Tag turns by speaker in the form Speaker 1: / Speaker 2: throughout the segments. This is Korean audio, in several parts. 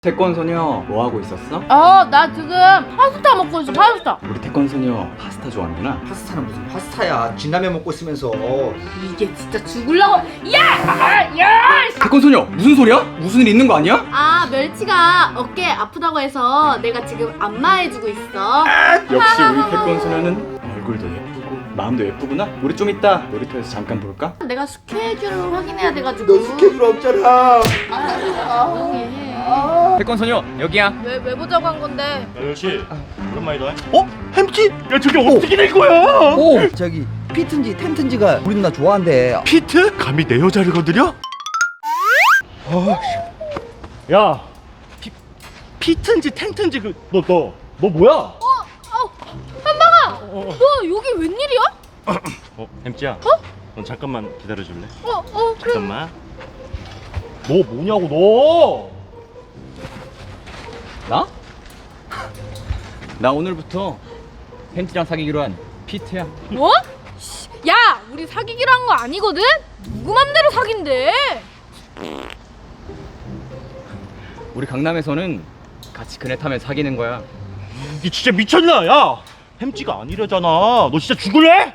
Speaker 1: 태권소녀 뭐 하고 있었어?
Speaker 2: 나 지금 파스타 먹고 있어. 파스타.
Speaker 1: 우리 태권소녀 파스타 좋아하는구나.
Speaker 3: 파스타는 무슨 파스타야. 진라면 먹고 있으면서.
Speaker 2: 이게 진짜 죽을라고. 야!
Speaker 1: 태권소녀 무슨 소리야? 무슨 일 있는 거 아니야?
Speaker 2: 아, 멸치가 어깨 아프다고 해서 내가 지금 안마해주고 있어.
Speaker 1: 역시 우리 태권소녀는 얼굴도 예쁘고 마음도 예쁘구나. 우리 좀 이따 놀이터에서 잠깐 볼까?
Speaker 2: 내가 스케줄을 확인해야 돼가지고.
Speaker 3: 너 스케줄 없잖아.
Speaker 2: 조용히 해.
Speaker 1: 태권소녀 여기야.
Speaker 2: 왜 보자고 한 건데?
Speaker 4: 멸치 오랜만이다.
Speaker 3: 어? 햄찌?
Speaker 4: 야 저게 어떻게 된 거야?
Speaker 3: 오! 저기 피트인지 템튼지가 우리 누나 좋아한대.
Speaker 4: 피트? 감히 내 여자를 건드려? 야 피트인지 탱트인지 너 뭐야?
Speaker 2: 한방아! 너 여기 웬일이야?
Speaker 4: 햄찌야. 넌 잠깐만 기다려줄래?
Speaker 2: 그래.
Speaker 4: 잠깐만. 너 뭐냐고
Speaker 1: 나? 나 오늘부터 햄찌랑 사귀기로 한 피트야.
Speaker 2: 뭐? 야, 우리 사귀기로 한 거 아니거든? 누구 맘대로 사귄대?
Speaker 1: 우리 강남에서는 같이 그네 타면 사귀는 거야.
Speaker 4: 이게 진짜 미쳤나? 야 햄찌가 아니래잖아. 너 진짜 죽을래?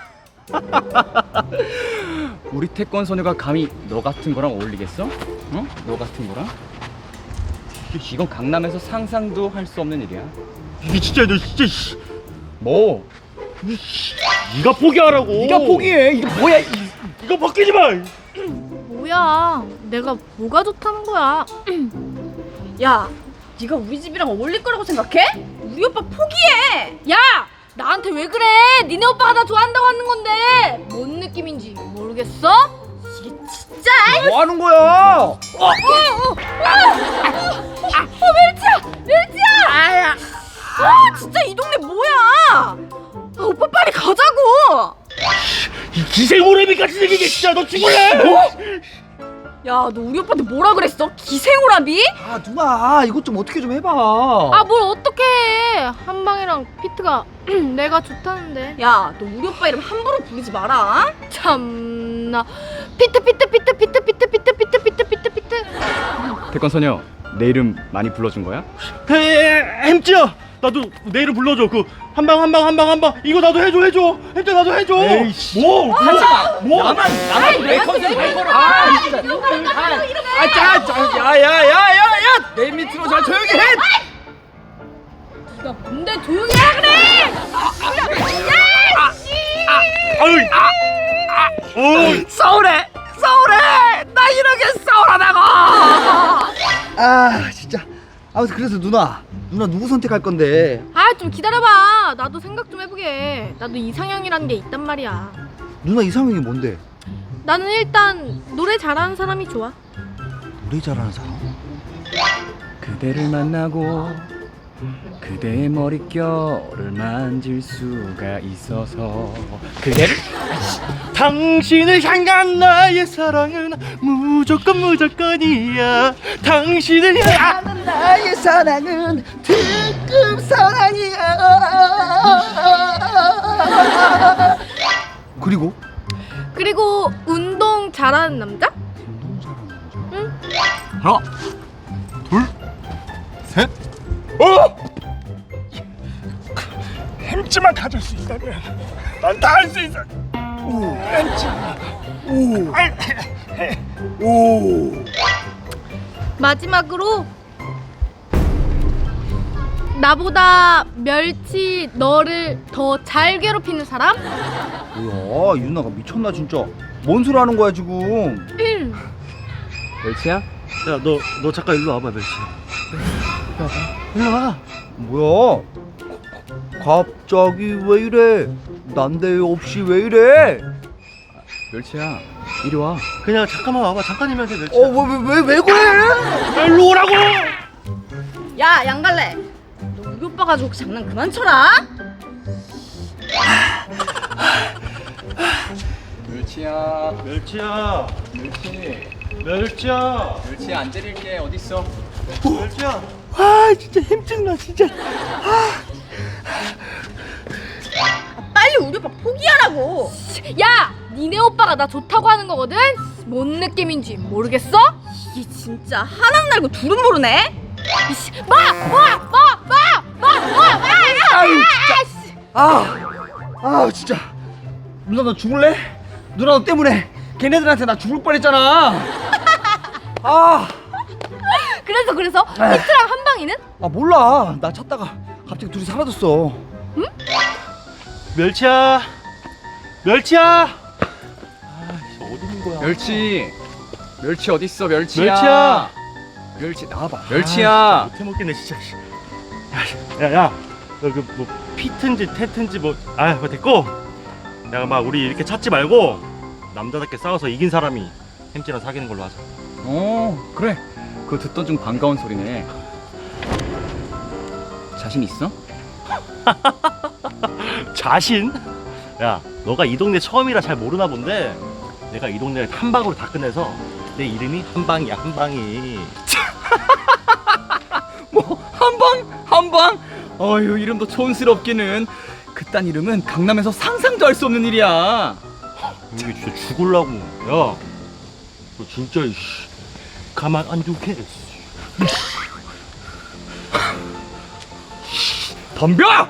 Speaker 1: 우리 태권소녀가 감히 너 같은 거랑 어울리겠어? 어? 너 같은 거랑? 이건 강남에서 상상도 할 수 없는 일이야.
Speaker 4: 이게 진짜 너 진짜
Speaker 1: 뭐?
Speaker 4: 네가 포기하라고.
Speaker 1: 네가 포기해. 이게 뭐야?
Speaker 4: 이거 벗기지 마.
Speaker 2: 뭐야, 내가 뭐가 좋다는 거야? 야, 네가 우리 집이랑 어울릴 거라고 생각해? 우리 오빠 포기해! 야! 나한테 왜 그래? 니네 오빠가 나 좋아한다고 하는 건데 뭔 느낌인지 모르겠어? 이게 진짜.
Speaker 3: 뭐 하는 거야?
Speaker 2: 멸치야! 진짜 이 동네 뭐야? 오빠 빨리 가자고!
Speaker 4: 이 기생오래비 같이 생긴 게 진짜 너 죽을래?
Speaker 2: 야, 너 우리 오빠한테 뭐라 그랬어? 기생오라비?
Speaker 3: 아 누나 이것 좀 어떻게 좀 해봐.
Speaker 2: 아, 뭘 어떻게 해? 한방이랑 피트가 내가 좋다는데. 야, 너 우리 오빠 이름 함부로 부르지 마라. 참나. 피트.
Speaker 1: 태권소녀 내 이름 많이 불러준 거야?
Speaker 4: 햄찌야 나도 내 이름 불러줘. 그 한방 이거 나도 해줘. 햄찌 나도 해줘.
Speaker 1: 에이씨.
Speaker 4: 뭐? 하지마. 뭐?
Speaker 1: 나만 내 컨셉 갈 거라.
Speaker 3: 야야야야야 내 밑으로 잘 조용히 해.
Speaker 2: 야, 뭔데 조용히 하라 그래!
Speaker 4: 어이.
Speaker 3: 서울에 나 이렇게 서울하다고. 아 진짜. 아무튼 그래서 누나 누구 선택할 건데?
Speaker 2: 아, 좀 기다려봐. 나도 생각 좀 해보게. 나도 이상형이라는 게 있단 말이야.
Speaker 3: 누나 이상형이 뭔데?
Speaker 2: 나는 일단 노래 잘하는 사람이 좋아.
Speaker 3: 노래 잘하는 사람?
Speaker 1: 그대를 만나고 그대의 머릿결을 만질 수가 있어서 그대를
Speaker 4: 당신을 향한 나의 사랑은 무조건이야. 당신을 향한
Speaker 3: 나의 사랑은 특급 사랑이야. 그리고
Speaker 2: 운동 잘하는 남자?
Speaker 1: 하나
Speaker 4: 셋. 햄찌만 가질 수 있다면 난 다 할 수 있어.
Speaker 2: 마지막으로 나보다 멸치 너를 더 잘 괴롭히는 사람?
Speaker 3: 뭐야 유나가 미쳤나 진짜. 뭔 소리 하는 거야 지금?
Speaker 1: 멸치야?
Speaker 4: 야 너 잠깐 일로 와봐 멸치야. 일로 와.
Speaker 3: 뭐야? 갑자기 왜 이래? 난데 없이 왜 이래?
Speaker 1: 멸치야 이리 와.
Speaker 4: 그냥 잠깐만 와봐. 잠깐이면 돼 멸치야.
Speaker 3: 왜 그래?
Speaker 4: 일로 오라고.
Speaker 2: 야, 양갈래, 너 우리 오빠 가지고 장난 그만 쳐라.
Speaker 1: 멸치야
Speaker 4: 멸치야.
Speaker 1: 멸치야 안 때릴게. 어딨어?
Speaker 4: 멸치야. 아 진짜 힘증나 진짜.
Speaker 2: 빨리 우리 오빠 포기하라고. 야, 니네 오빠가 나 좋다고 하는 거거든? 뭔 느낌인지 모르겠어? 이게 진짜 하나는 알고 둘은 모르네? 이씨,
Speaker 3: 아유 진짜. 진짜. 누나 너 죽을래? 누나 너 때문에 걔네들한테 나 죽을 뻔했잖아.
Speaker 2: 그래서 히트랑 한방이는?
Speaker 3: 몰라. 나 찾다가 갑자기 둘이 사라졌어.
Speaker 4: 멸치야. 멸치야. 어디 있는 거야?
Speaker 1: 멸치 어딨어 멸치야.
Speaker 4: 멸치야.
Speaker 1: 멸치 나와봐. 멸치야.
Speaker 4: 못해 먹겠네 진짜. 야야, 너 그 뭐 피트인지 테트인지 뭐 됐고. 야, 막 우리 이렇게 찾지 말고 남자답게 싸워서 이긴 사람이 햄찌랑 사귀는 걸로 하자.
Speaker 1: 그래. 그거 듣던 중 반가운 소리네. 자신 있어?
Speaker 4: 자신? 야, 너가 이 동네 처음이라 잘 모르나 본데 내가 이 동네를 한 방으로 다 끝내서 내 이름이 한방이야. 한방이.
Speaker 1: 뭐 한방? 어휴 이름도 촌스럽기는. 그딴 이름은 강남에서 상상도 할 수 없는 일이야.
Speaker 4: 이게 진짜 죽을라고. 야, 너 진짜 가만 안 두게.
Speaker 1: 덤벼!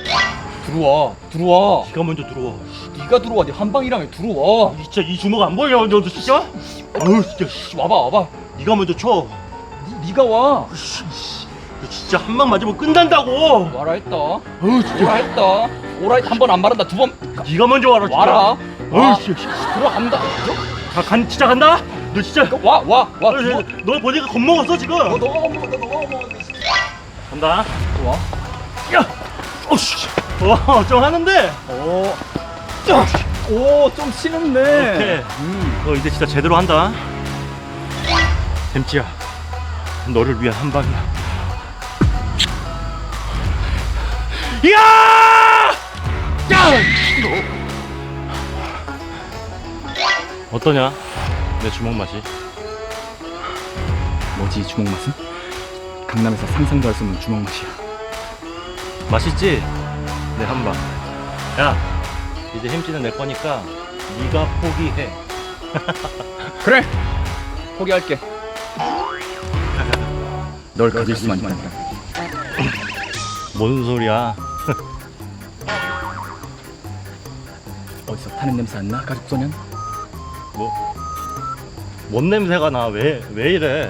Speaker 1: 들어와.
Speaker 4: 네가 먼저 들어와.
Speaker 1: 네가 들어와. 네 한방이라며 들어와.
Speaker 4: 진짜 이 주먹 안 보여? 너 진짜? 아유 진짜.
Speaker 1: 와봐.
Speaker 4: 네가 먼저 쳐.
Speaker 1: 네가 와.
Speaker 4: 너 진짜 한 방 맞으면 끝난다고.
Speaker 1: 와라 했다.
Speaker 4: 아유 진짜.
Speaker 1: 오라 했다. 오라 한 번 안 말한다. 두 번
Speaker 4: 네가 먼저 와라. 진짜.
Speaker 1: 와라.
Speaker 4: 아유 진짜.
Speaker 1: 들어간다.
Speaker 4: 진짜 간다. 너 진짜.
Speaker 1: 와.
Speaker 4: 너 보니까 겁먹었어 지금.
Speaker 1: 너가 먹어.
Speaker 4: 간다.
Speaker 1: 좋아.
Speaker 4: 야. 어씨. 좀 하는데.
Speaker 1: 좀 치는데.
Speaker 4: 오케이. 너 이제 진짜 제대로 한다. 햄찌야, 너를 위한 한 방이야. 야! 어떠냐? 내 주먹 맛이?
Speaker 1: 뭐지 주먹 맛은? 강남에서 상상도 할 수 없는 주먹 맛이야.
Speaker 4: 맛있지? 내 한 방. 야, 이제 햄찌는 내 거니까 네가 포기해.
Speaker 1: 그래. 포기할게. 널 가질 수만 있다면.
Speaker 4: 뭔 소리야?
Speaker 1: 어디서 타는 냄새 안 나? 가족소년?
Speaker 4: 뭔 냄새가 나? 왜 이래?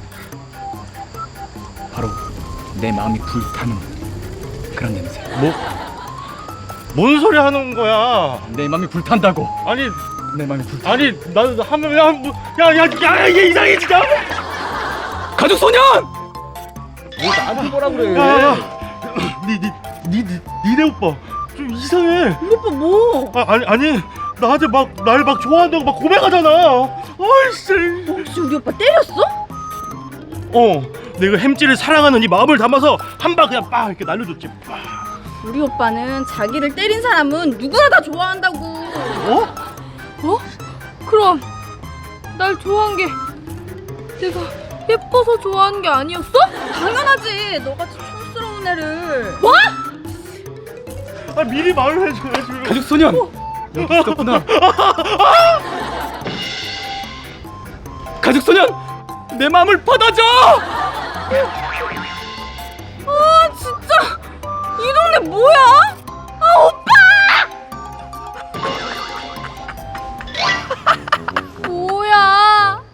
Speaker 1: 바로 내 마음이 불타는 그런 냄새.
Speaker 4: 뭔 소리 하는 거야?
Speaker 1: 내 마음이 불탄다고.
Speaker 4: 아니
Speaker 1: 내 마음이 불타.
Speaker 4: 나는 하면 야 이게 이상해 진짜.
Speaker 1: 가족소년! 뭐 나한테 뭐라 그래?
Speaker 4: 야, 니네 오빠 좀 이상해.
Speaker 2: 우리 오빠 뭐?
Speaker 4: 아니 나한테 날 좋아한다고 막 고백하잖아. 아이씨.
Speaker 2: 혹시 우리 오빠 때렸어?
Speaker 4: 내가 햄찌를 사랑하는 이 마음을 담아서 한 방 그냥 빡 이렇게 날려줬지.
Speaker 2: 우리 오빠는 자기를 때린 사람은 누구나 다 좋아한다고. 그럼 날 좋아한 게 내가 예뻐서 좋아하는 게 아니었어? 당연하지. 너같이 촌스러운 애를. 뭐?
Speaker 4: 미리 말을 해줘야지.
Speaker 1: 가족소년! 여기 있었구나. 가족소년! 내 마음을 받아줘!
Speaker 2: 진짜 이 동네 뭐야? 오빠! 뭐야?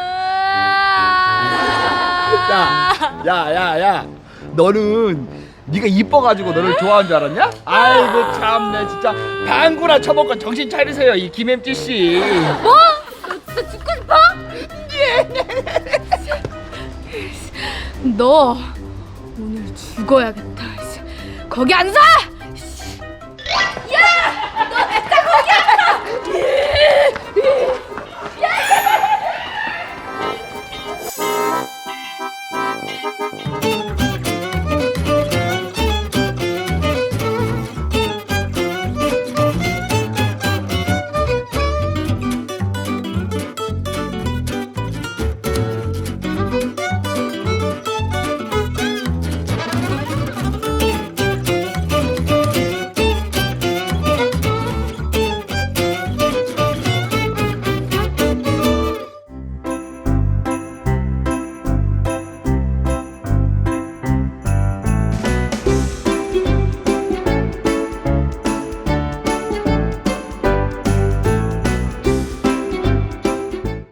Speaker 3: 야. 너는 네가 이뻐가지고 너를 좋아하는 줄 알았냐? 아이고 참내 진짜. 방구나 쳐먹고 정신 차리세요 이 김햄찌 씨.
Speaker 2: 뭐? 너 진짜 죽고 싶어? 너 오늘 죽어야겠다. 거기 앉아! 야! 너 진짜 거기 앉아!